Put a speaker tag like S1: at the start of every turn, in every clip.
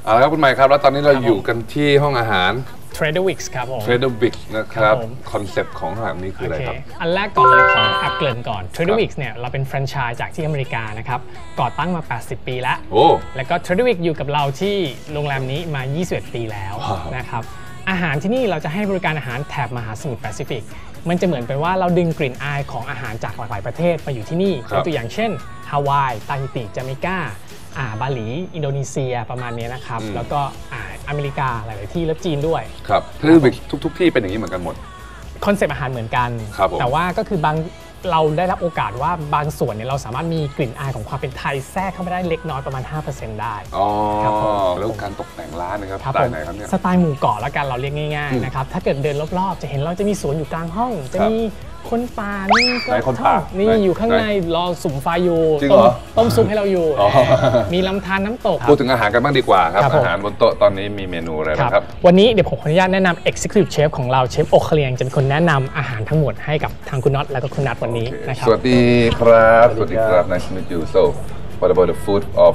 S1: เอาละครับคุณใหม่ครับแล้วตอนนี้เราอยู่กันที่ห้องอาหาร
S2: Trader Vic's ครับผม
S1: Trader Vic's นะครับคอนเซ็ปต์ของอาหารนี้คืออะไรครับ
S2: อันแรกก่อนเลยขออัปเกริ่นก่อน Trader Vic's เนี่ยเราเป็นแฟรนไชส์จากที่อเมริกานะครับก่อตั้งมา80ปีแล้วแล้วก็ Trader Vic's อยู่กับเราที่โรงแรมนี้มา21ปีแล้วนะครับอาหารที่นี่เราจะให้บริการอาหารแถบมหาสมุทรแปซิฟิกมันจะเหมือนเป็นว่าเราดึงกลิ่นอายของอาหารจากหลากหลายประเทศมาอยู่ที่นี่ยกตัวอย่างเช่นฮาวายตาฮิติจาเมกาบาหลีอินโดนีเซียประมาณนี้นะครับแล้วก็อเมริกาหลายๆที่และจีนด้วย
S1: ครับคือทุกที่เป็นอย่างนี้เหมือนกันหมด
S2: คอนเซปต์อาหารเหมือนกันแต่ว่าก็คือบางเราได้รับโอกาสว่าบางส่วนเนี่ยเราสามารถมีกลิ่นอายของความเป็นไทยแทรกเข้าไปได้เล็กน้อยประมาณ 5% ได้
S1: แล้วการตกแต่งร้านนะครับสไตล์ไหนครับเนี่ย
S2: สไตล์หมู่เกาะแล้วกันเราเรียกง่ายๆนะครับถ้าเกิดเดินรอบๆจะเห็นเราจะมีสวนอยู่กลางห้องจะมีคนป่านี่ก็นี่อยู่ข้างในรอสุ่มไฟอยู่ต้มซุปให้เราอยู่มีลำธารน้ำตก
S1: พูดถึงอาหารกันบ้างดีกว่าครับอาหารบนโต๊ะตอนนี้มีเมนูอะไรบ้างครับ
S2: วันนี้เดี๋ยวผมขออนุญาตแนะนำ Executive Chef ของเราเชฟโอเคเลียงจะเป็นคนแนะนำอาหารทั้งหมดให้กับทางคุณน็อตและก็คุณนัทวันนี้นะครับ
S1: สวัสดีครับสวัสดีครับ Nice to meet you so what about the food of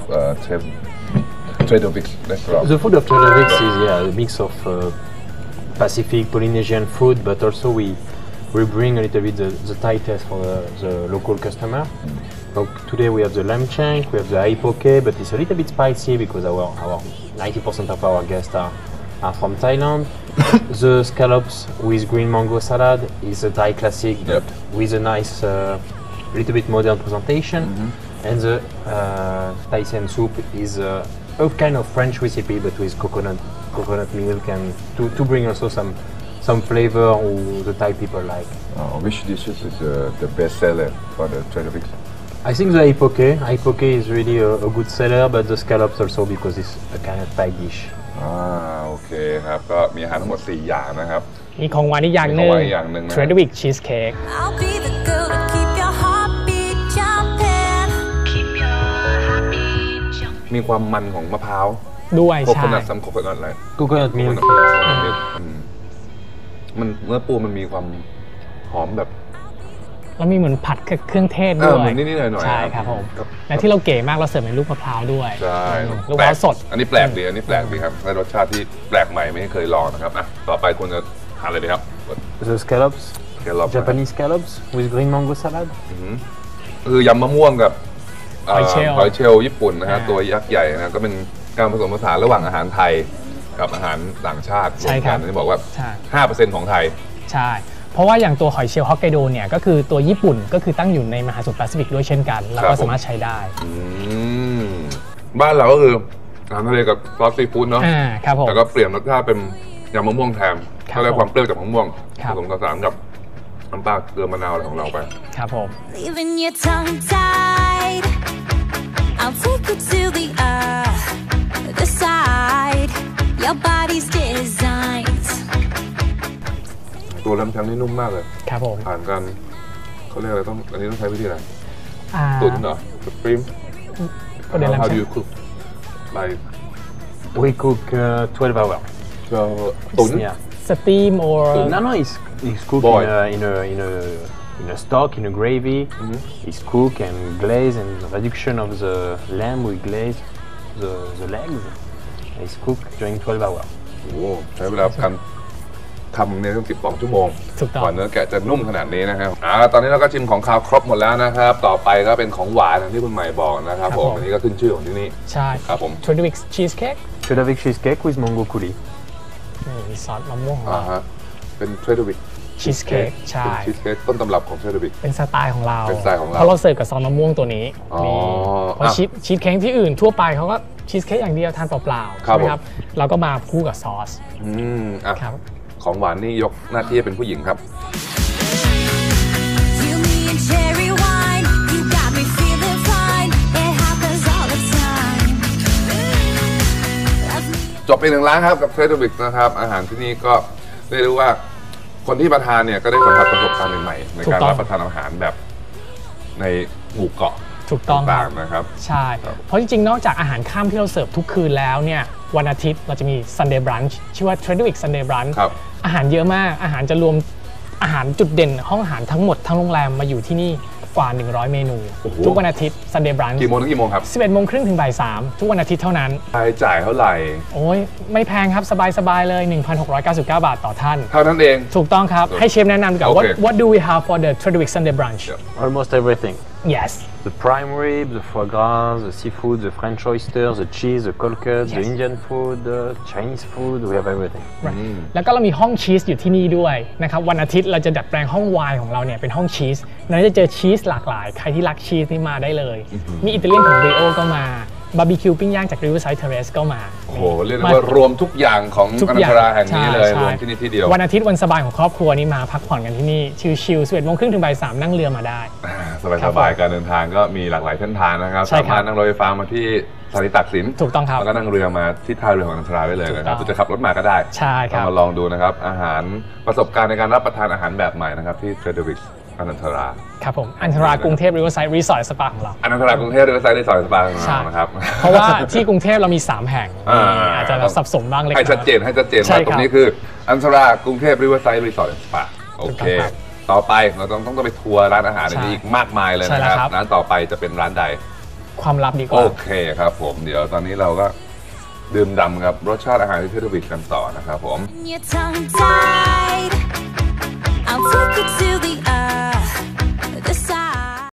S1: Trader Vic's restaurant
S3: The food of Trader Vic's is a mix of Pacific Polynesian food but also we bring a little bit the Thai taste for the local customer. So today we have the lamb shank, we have the aipoke, but it's a little bit spicy because our 90% of our guests are from Thailand. The scallops with green mango salad is a Thai classic, but with a nice, little bit modern presentation. And the Thai siam soup is a kind of French recipe, but with coconut milk and to bring also some flavor who the Thai people like.
S1: Which dishes is the best seller for the Trader Vic's?
S3: I think the aipoke. Aipoke is really a good seller, but the scallops also because it's a kind of Thai dish.
S1: โอเคครับก็มีอาหารทั้งหมด4อย่างนะครับ
S2: มีของหวานอีกอย่างหนึ่ง Trader Vic's Cheesecake
S1: มีความมันของมะพร้าว
S2: ด้วยใช่
S1: coconut ซัม coconut อะไร
S3: coconut milk
S1: มันเนื้อปูมันมีความหอมแบบ
S2: แล้วมีเหมือนผัดเครื่องเทศด้วย
S1: เหมือนนิดๆหน่อยๆ
S2: ใช่ครับผมและที่เราเก๋มากเราเสิร์ฟเป็นลูกมะพร้าวด้วย
S1: ใช่
S2: ลูกมะพร้าวสด
S1: อันนี้แปลกดีครับได้รสชาติที่แปลกใหม่ไม่เคยลองนะครับต่อไปคุณจะหาอะไรดีครับ
S3: The scallops Japanese scallops with green mango salad
S1: คือยำมะม่วงกับหอยเชลล์ญี่ปุ่นนะฮะตัวยักษ์ใหญ่นะก็เป็นการผสมผสานระหว่างอาหารไทยกับอาหารต่างชาติรวมกันที่บอกว่า 5% ของไทย
S2: ใช่เพราะว่าอย่างตัวหอยเชลล์ฮอกไกโดเนี่ยก็คือตัวญี่ปุ่นก็คือตั้งอยู่ในมหาสมุทรแปซิฟิกด้วยเช่นกันแล้วก็สามารถใช้ได้
S1: บ้านเราก็คืออาหารทะเลกับซอสซีฟู้ดเนาะแต่ก็เปลี่ยนรสชาติเป็นยำมะม่วงแทนก็ได้ความเปรี้ยวจากมะม่วงผสมผสานกับน้ำปลาเกลือมะนาวอะไรของเราไป
S2: ครับผม
S4: I'll take you to the side. Your body's designed.
S1: ตัวลำชังนี่นุ่มมากเลย
S2: ครับผม
S1: ผ่านกันเขาเรียกอะไรอันนี้ต้องใช้วิธีอะไรตุ๋นเหรอสปริม How do you cook? Like
S3: we cook 12 hours.
S1: ตุ๋น
S2: steam or
S3: no it's cooked in a stock, in a gravy. It's cooked and glazed, and the reduction of the lamb we glaze the legs. It's cooked during 12 hours.
S1: โอ้ใช้เวลาการทำเนี่ยต้อง12 ชั่วโมงก่อนเนื้อแกะจะนุ่มขนาดนี้นะครับตอนนี้เราก็ชิมของคาวครบหมดแล้วนะครับต่อไปก็เป็นของหวานที่คุณใหม่บอกนะครับผมอันนี้ก็ขึ้นชื่อของที่นี่
S2: ใช่
S1: ครับผม
S2: Trader Vic's Cheesecake
S3: Trader Vic's Cheesecake with mango coulis
S2: มีซอสมะม่วงของเรา
S1: เป็น Trader Vic's
S2: Cheesecake ใช่
S1: ชีสเค้กต้นตำรับของ Trader Vic's
S2: เป็นสไตล์ของเราเพราะเราเสิร์ฟกับซอสมะม่วงตัวนี้เพราะชีสเค้กที่อื่นทั่วไปเขาก็ชีสเค้กอย่างเดียวทานเปล่าๆใช่ไหมครับเราก็มาคู่กับซอส
S1: ครับของหวานนี่ยกหน้าที่เป็นผู้หญิงครับจบไป1 ร้านครับกับ Trader Vic's นะครับอาหารที่นี่ก็เรียกได้ว่าคนที่มาทานเนี่ยก็ได้สัมผัสประสบการณ์ใหม่ๆในการรับประทานอาหารแบบในหมู่เกาะ
S2: ถูกต้อง
S1: นะครับ
S2: ใช่เพราะจริงๆนอกจากอาหารค่ำที่เราเสิร์ฟทุกคืนแล้วเนี่ยวันอาทิตย์เราจะมี Sunday Brunch ชื่อว่า Trader Vic's Sunday Brunch อาหารเยอะมากอาหารจะรวมอาหารจุดเด่นห้องอาหารทั้งหมดทั้งโรงแรมมาอยู่ที่นี่กว่า100เมนูทุกวันอาทิตย์ Sunday Brunch
S1: กี่โมงถึงกี่โมงครับ
S2: 11 โมงครึ่งถึงบ่าย 3ทุกวันอาทิตย์เท่านั้น
S1: ค่าใช้จ่ายเท่าไหร่
S2: โอ้ยไม่แพงครับสบายๆเลย 1,699 บาทต่อท่าน
S1: เท่านั้นเอง
S2: ถูกต้องครับให้เชฟแนะนำดีกว่า what do we have for the Trader Vic Sunday Brunch
S3: Almost everything
S2: yes
S3: the prime rib the foie gras the seafood the French oysters the cheese the cold cuts the Indian food the Chinese food we have everything
S2: แล้วก็เรามีห้องชีสอยู่ที่นี่ด้วยนะครับวันอาทิตย์เราจะดัดแปลงห้องไวน์ของเราเนี่ยเป็นห้องชีสเราจะเจอชีสหลากหลายใครที่รักชีสนี่มาได้เลยมีอิตาเลียนของ Brio ก็มาบาร์บีคิวปิ้งย่างจาก Riverside Terrace ก็มา
S1: โอ้โหเรียกได้ว่ารวมทุกอย่างของอนันทราแห่งนี้เลยรวมที่นี่ที่เดียว
S2: วันอาทิตย์วันสบายของครอบครัวนี่มาพักผ่อนกันที่นี่ชิลๆ 11 โมงครึ่งถึงบ่าย 3นั่งเรือมาได้
S1: สบายๆการเดินทางก็มีหลากหลายเส้นทางนะครับสามารถนั่งรถไฟฟ้ามาที่สถานีตากสิน
S2: ถูกต้องครับ
S1: แล้วก็นั่งเรือมาที่ท่าเรือของอนันทราได้เลยนะครับจะขับรถมาก็ได้
S2: ใช่ครับ
S1: มาลองดูนะครับอาหารประสบการณ์ในการรับประทานอาหารแบบใหม่นะครับที่ Trader Vic อนันทรา
S2: ครับผมอนันทรากรุงเทพ Riverside Resort Spa ของเรา
S1: อนันทรากรุงเทพ Riverside Resort Spa ของเรานะครับ
S2: เพราะว่าที่กรุงเทพเรามี3แห่งอาจจะสับสนบ้างเล็กน้อย
S1: ให้ชัดเจนว่าตรงนี้คืออนันทรากรุงเทพ Riverside Resort Spa โอเคต่อไปเราต้องไปทัวร์ร้านอาหารอีกมากมายเลยนะครับร้านต่อไปจะเป็นร้านใด
S2: ความลับดีกว่า
S1: โอเคครับผมเดี๋ยวตอนนี้เราก็ดื่มด่ำกับรสชาติอาหารที่Trader Vicกันต่อนะครับผม
S4: I'll take you to the